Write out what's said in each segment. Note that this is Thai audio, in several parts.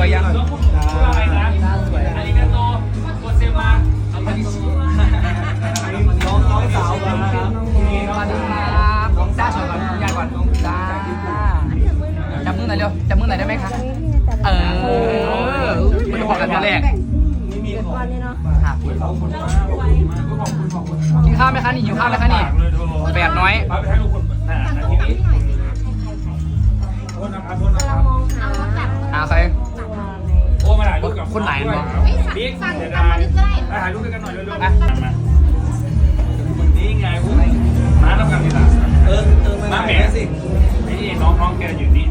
วยยังอะไรนะอันนี้ก็โตโกเซมาอันนี้น้องสาวมาครับสวัสดีครับน้องจ้าสวยก่อนยายก่อนน้องจ้าจับมือหน่อยเร็วจับมือหน่อยได้ไหมคะมันจะบอกกันครั้งแรกกินข้าวไหมคะนี่หิวข้าวไหมคะนี่แปดน้อยใครโอ้มาถ่ายรูปกับคนไหนเนาะบิ๊กเดี๋ยวได้ถ่ายรูปด้วยกันหน่อยเร็วๆนะนี่ไงพวกมาต้องกันดีละมาแหมสินี่น้องแกอยู่นี่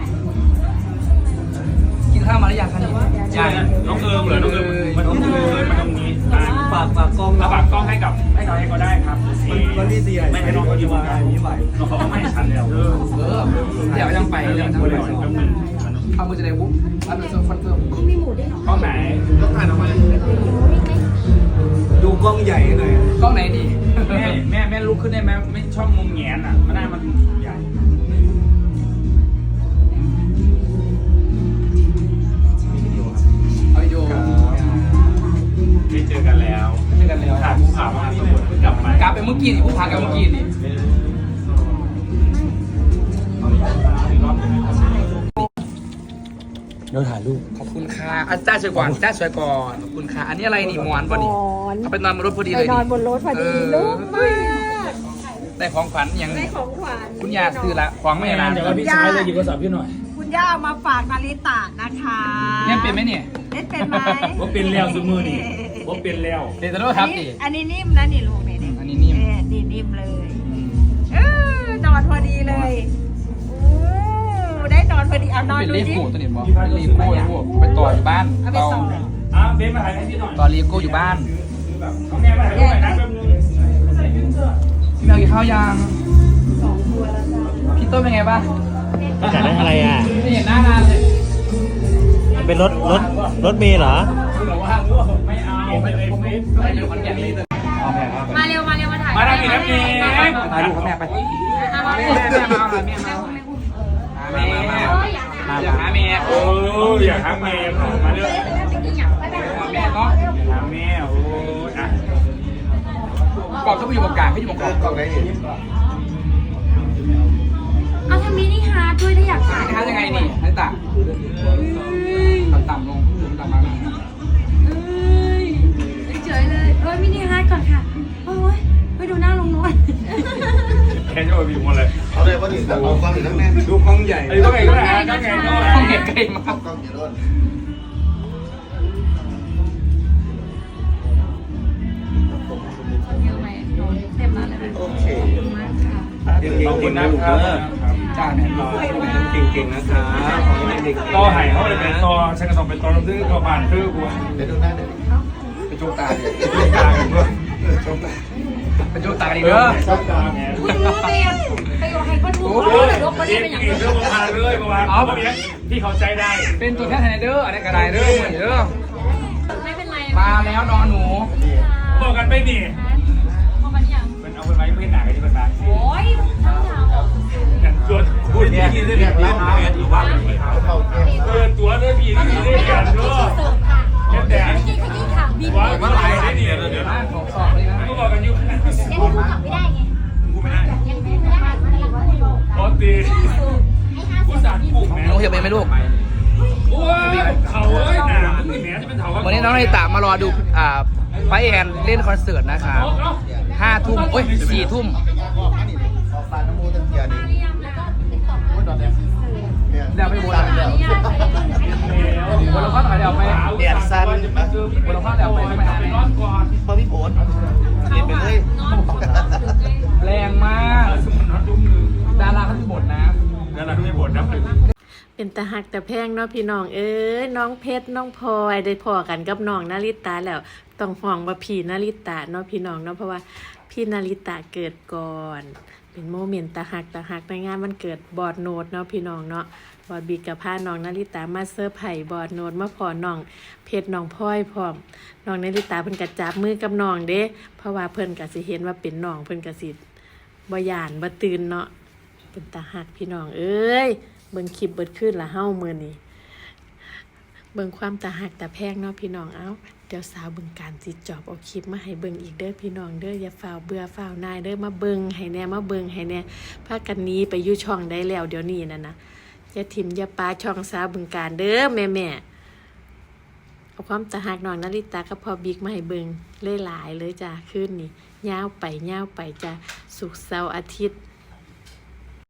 กินข้าวมาหรือยังคะนี่ยังน้องเอิมเหรอน้องเอิมมันต้องเลยมาตรงนี้ฝากกล้องให้ก็ได้ครับวันที่4ไม่ให้น้องเขาอยู่มาไม่ไหวน้องเขาไม่ให้ฉันแล้วเดี๋ยวยังไปเดี๋ยวเอามือจะได้บุ๊บเอามือจะคอนเฟิร์มมีหมูด้วยเหรอกล้องไหนต้องถ่ายออกมาดูกล้องใหญ่หน่อยกล้องไหนดีแม่ลุกขึ้นได้ไหมไม่ชอบมุมแงนอ่ะมันได้มันใหญ่เอาโยได้เจอกันแล้วถ่ายผู้ผ่ามาสมุดกลับไปเมื่อกี้นี่ผู้ผ่ากับเมื่อกี้นี่เดี๋ยวถ่ายรูปขอบคุณค่ะอาจารย์สวยก่อนขอบคุณค่ะอันนี้อะไรนี่หมอนป่ะนี่เอาไปนอนบนรถพอดีเลยนอนบนรถพอดีลูกมากได้ของขวัญยังได้ของขวัญคุณย่าซื้อละของไม่นานเดี๋ยวพี่ชายเลยหยิบโทรศัพท์พี่หน่อยคุณย่ามาฝากนาริตะนะคะเนี่ยเป็นไหมเนี่ยเป็นไหมว่าเป็นแล้วสมือนี่ว่าเป็นแล้วเดี๋ยวจะรู้ครับดิอันนี้นิ่มนะนี่ลูกนี่อันนี้นิ่มนี่นิ่มเลยนอนพอดีเลยได้นอนพอดีเอานอนดูดิเป็นเลโก้ตัวนี้มั้งเป็นเลโก้ไปต่ออยู่บ้านต่อเบนมาถ่ายให้พี่หน่อยต่อเลโก้อยู่บ้านน้องแม่มาถ่ายรูปหน่อยนะแป๊บนึงพี่แมวกินข้าวยังพี่ต้นเป็นไงบ้างจ่ายได้อะไรอ่ะไม่เห็นหน้านานเลยเป็นรถเมล์เหรอไม่เอาไม่อยู่คนแก่เลยมาเร็วมาถ่ายมาได้กี่นาทีมาดูเขาแม่ไปแม่อยากหาเมียโอ้อยากหาเมียมาเร็วแม่เนาะหาเมียโอ้อะกรอบต้องไปอยู่ตรงกลางไม่อยู่ตรงกลางกรอบไหนเอาทำมินิฮาร์ดด้วยถ้าอยากถ่ายฮาร์ดยังไงนี่ให้ต่ำต่ำลงต่ำมาเฉยเลยมินิฮาร์ดก่อนค่ะโอ้ยไปดูหน้าลงน้อยแค่จะมาบีบหมดเลยเอาเลยว่าถึงแต่เอากล้องอยู่ทั้งแม่ดูกล้องใหญ่ไอ้กล้องใหญ่ก็ได้กล้องใหญ่กล้องใหญ่ใกล้มากกล้องใหญ่รุ่นเต็มแล้วเลยโอเคขอบคุณนะครับจ้าเนี่ยเก่งๆนะครับต่อไห่เขาเลยเป็นต่อฉันก็ต้องเป็นต่อลำซื้อต่อบานคือกูไปดูหน้าเด็กไปโจกตาดิโจกตากันด้วยไปโจกตาดิเด้อโจกตาไงคุณรู้เตียนไปอยู่ให้คนรู้รถคนนี้เป็นอย่างนี้เรื่องประมาณเลยประมาณเอาที่เขาใจได้เป็นตัวแค่ไฮเดอร์อะไรก็ได้เด้อเหมือนเด้อไม่เป็นไรมาแล้วนอนหนูบอกกันไปนี่เป็นเอาไปไว้เพื่อนหนากันที่เป็นบ้านโอ้ยทั้งหนาวกันตัวพูดที่นี่ได้แบบร้านเอยู่บ้านตัวด้วยพี่ที่ได้กันด้วยแต่ว่าเมื่อไหร่ได้เนี่ยเดี๋ยวนะสอบเลยนะก็บอกกันอยู่ยังพูดกลับไม่ได้ไงกูไม่ได้ยังไม่ได้โอ้ตีกูสั่งปลูกแม่น้องเหี่ยวเป็นไหมลูกโอ้ยเขาเอ้ยหนาไม่แม่จะเป็นเขาวันนี้น้องในตามารอดูไฟแอนเล่นคอนเสิร์ตนะคะ5 ทุ่มโอ้ย4 ทุ่มเดี๋ยวไปบนเดี๋ยวบนเราก็ถอยเดี๋ยวไปแดดสั้นบนเราก็เดี๋ยวไปไม่ได้พอพี่โผล่เรียนไปเลยแรงมากดาราเขาที่บทนะดาราที่บทนะเป็นตาหักแต่แพงเนาะพี่น้องน้องเพชรน้องพลอยได้พอกันกับน้องนาริตาแล้วต้องห่วงว่าพี่นาริตาเนาะพี่น้องเนาะเพราะว่าพี่นาริตาเกิดก่อนเป็นโมเมนต์ตาหักในงานวันเกิดบอดโนดเนาะพี่น้องเนาะบอดบีกับพาน้องนาริตามาเซอร์ไพรส์บอดโนดมาพอน้องเพชรน้องพลอยพร้อมน้องนาริตาเพิ่นก็จับมือกับน้องเด้เพราะว่าเพิ่นก็สิเห็นว่าเป็นน้องเพิ่นก็สิบ่ย่านบ่ตื่นเนาะเป็นตาหักพี่น้องเบิ่งคลิปเบิดขึ้นละเฮ้ามื้อนี้เบิ่งความตาหักตาแพงเนาะพี่น้องเอ้าเดี๋ยวสาวบึงการสิจอบเอาคลิปมาให้เบิ่งอีกเด้อพี่น้องเด้ออย่าฝ่าวเบื่อฝ่าวนายเด้อมาเบิ่งให้แน่มาเบิ่งให้แน่พากันหนี้ไปอยู่ช่องได้แล้วเดี๋ยวนี้นั่นนะอย่าทิมอย่าปาช่องสาวบึงการเด้อแม่เอาความตาหักน้องนาริตากับพ่อบิ๊กมาให้เบิ่งหลายๆเลยจ้ะคืนนี้ยาวไปจ้ะศุกร์เสาร์อาทิตย์